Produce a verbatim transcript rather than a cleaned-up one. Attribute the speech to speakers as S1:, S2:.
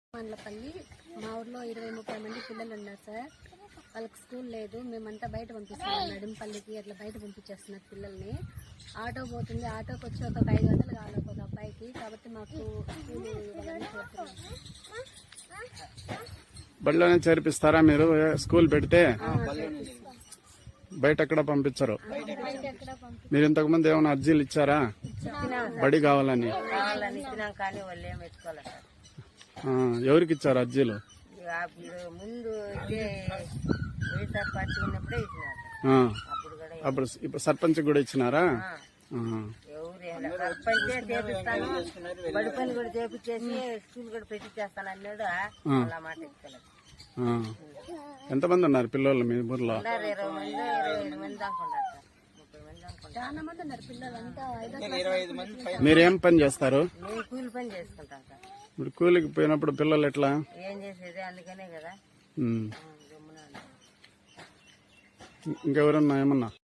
S1: మండలపల్లి మా ఊర్లో ఇరవై ముప్పై మంది పిల్లలు ఉన్నారు సార్. వాళ్ళకి స్కూల్ లేదు. మేమంతా బయట పంపిస్తున్నాం, నడింపల్లికి అట్లా బయట పంపించేస్తున్నారు పిల్లల్ని. ఆటో పోతుంది, ఆటోకి వచ్చి ఒక ఐదు వందలు కావాలి ఒక అబ్బాయికి. కాబట్టి మాకు స్కూల్ ఇవ్వాలని కోరుతున్నాం.
S2: బడిలోనే చేర్పిస్తారా మీరు? స్కూల్ పెడితే బయట ఎక్కడ పంపించరు. మీరు ఇంతకు ముందు ఏమైనా అర్జీలు ఇచ్చారా బడి కావాలని? ఎవరికి ఇచ్చారు అర్జీలు?
S3: ముందు
S2: అప్పుడు ఇప్పుడు సర్పంచ్ కూడా ఇచ్చినారా?
S3: సర్పంచే చేపిస్తాను, బడి పని కూడా చేపించేసి స్కూల్ కూడా పెట్టించేస్తాను అన్నాడు. అలా మాట ఇస్తలేదు.
S2: ఎంతమంది ఉన్నారు పిల్లలు మీ ఊర్లో?
S3: ఇరవై మంది ఇరవై ఐదు మంది దాకా ఉన్నారు సార్. ముప్పై మంది దాకా
S1: చాలా మంది ఉన్నారు పిల్లలు అంతా.
S2: మీరేం పని చేస్తారు?
S3: మేము కూలి పని చేసుకుంటాం సార్.
S2: ఇప్పుడు కూలికి పోయినప్పుడు పిల్లలు ఎట్లా?
S3: ఏం చేసేది, అందుకనే కదా.
S2: ఇంకెవరన్నా ఏమన్నా